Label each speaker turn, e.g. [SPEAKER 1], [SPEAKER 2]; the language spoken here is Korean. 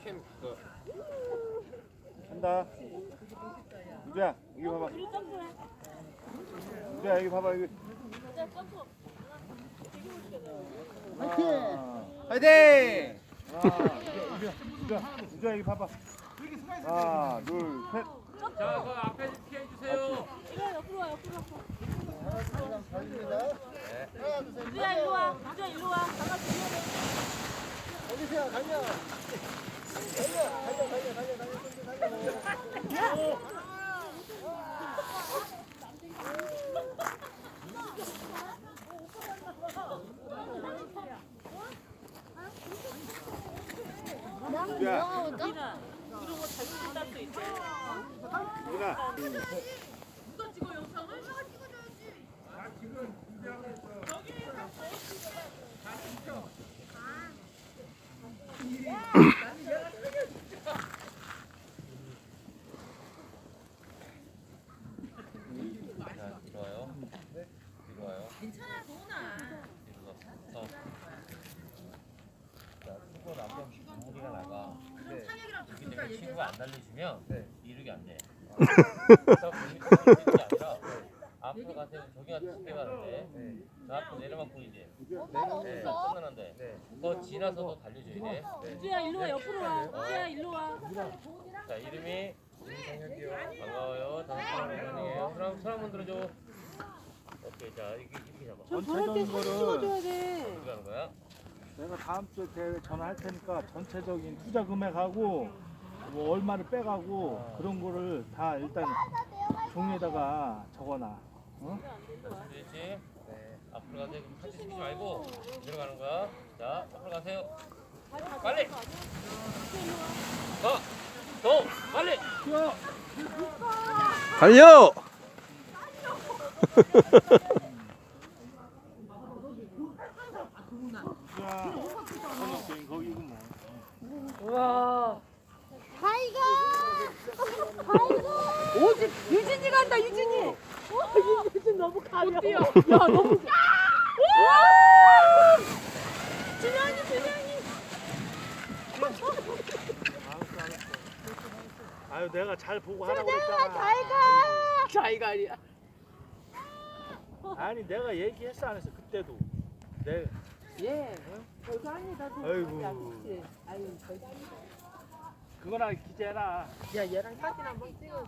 [SPEAKER 1] 캠 그거.
[SPEAKER 2] 한다. 유주야, 여기 봐봐. 유주야, 여기 봐봐. 여기.
[SPEAKER 1] 화이팅!
[SPEAKER 2] 유주야, 여기 봐봐. 하나, 둘, 셋.
[SPEAKER 1] 자, 그 앞에 피해 주세요.
[SPEAKER 3] 이거 옆으로 와, 옆으로 와. 유주야 일로 와. 유주야 일로 와. 잠깐 주면
[SPEAKER 4] 어디세요? 달려.
[SPEAKER 2] 유주야,
[SPEAKER 3] 이런 거 잘못 딸 수 있어.
[SPEAKER 2] 유주야.
[SPEAKER 3] 누가 찍어 영상을?
[SPEAKER 1] 자, 좋아요. 좋아요.
[SPEAKER 3] 괜찮아, 도훈아.
[SPEAKER 1] 자, 수고 남편 무리가 나가. 여기 내가 친구가 안 날려주면 이륙이 안 돼. 그래서 이륙이 아니라 앞으로 가세요. 저기한테 스페 가는데 저 앞으로 내려만 보이지? 네, 끝나는데 더 지나서도 달려줘야 돼.
[SPEAKER 3] 유주야 일로 와, 옆으로 와. 유주야 일로 와.
[SPEAKER 1] 자, 이름이 반가워요. 단순이에요. 손 한번 들어줘. 오케이, 자 이렇게 잡아.
[SPEAKER 2] 전체적인 거를
[SPEAKER 3] 돼.
[SPEAKER 1] 어떻게 하는 거야?
[SPEAKER 2] 내가 다음 주에 대회 전화할 테니까 전체적인 투자 금액하고 뭐 얼마를 빼가고 그런 거를 다 일단 종이에다가 적어놔. 어?
[SPEAKER 1] 그렇지? 네. 앞으로 가세요. 사진 찍지 말고 들어가는 거야. 자, 앞으로 가세요. 빨리. 더, 빨리.
[SPEAKER 2] 뛰어.
[SPEAKER 5] 달려!
[SPEAKER 2] 자, 거기고 뭐.
[SPEAKER 3] 우와.
[SPEAKER 6] 타이거! 타이거!
[SPEAKER 3] 오지 유진이 간다 유진이. 유진 너무 가벼워. 뛰어. 야 너무. 준영이 준영이.
[SPEAKER 2] 아유 내가 잘 보고 하라고 그랬잖아.
[SPEAKER 6] 타이거!
[SPEAKER 3] 자기가 아니야.
[SPEAKER 2] 아니 내가 얘기했어 안 했어 그때도. 내
[SPEAKER 3] 예. 별거 아니다.
[SPEAKER 2] 아이고.
[SPEAKER 3] 아유,
[SPEAKER 2] 그거나 기재해라.
[SPEAKER 3] 야 얘랑 사진 한번 찍어.